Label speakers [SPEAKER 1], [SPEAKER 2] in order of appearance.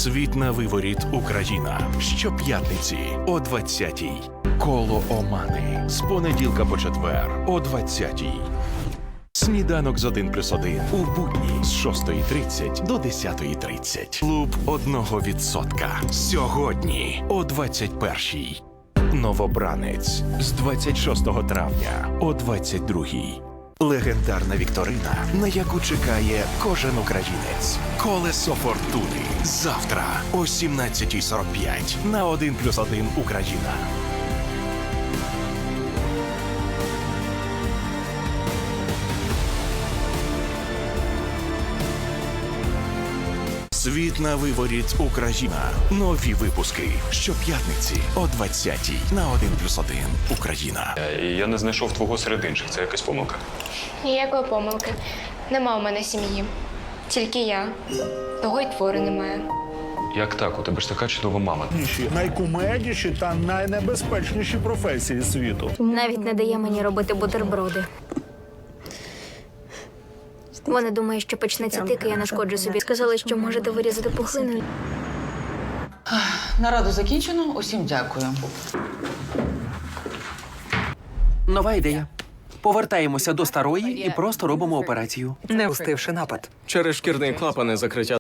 [SPEAKER 1] Світ на виворіт Україна. Щоп'ятниці о 20-й. Коло Омани. З понеділка по четвер о 20-й. Сніданок з 1+1 у будні з 6:30 до 10:30. Клуб 1%. Сьогодні о 21-й. Новобранець з 26 травня о 22-й. Легендарна вікторина, на яку чекає кожен українець. Колесо фортуни. Завтра о 17:45 на 1+1 Україна. Світ на виворіт Україна. Нові випуски щоп'ятниці о 20-й на 1+1 Україна.
[SPEAKER 2] Я не знайшов твого серед інших. Це якась помилка?
[SPEAKER 3] Ніякої помилки. Нема у мене сім'ї. Тільки я. Того й твору немає.
[SPEAKER 2] Як так? У тебе ж така чудова мама.
[SPEAKER 4] Найкумедніші та найнебезпечніші професії світу.
[SPEAKER 5] Навіть не дає мені робити бутерброди. Вони думають, що почнеться тик, і я нашкоджу собі. Сказали, що можете вирізати пухлину.
[SPEAKER 6] Нараду закінчено. Усім дякую.
[SPEAKER 7] Нова ідея. Повертаємося до старої і просто робимо операцію.
[SPEAKER 8] Не встивши напад.
[SPEAKER 9] Через шкірний клапан і закриття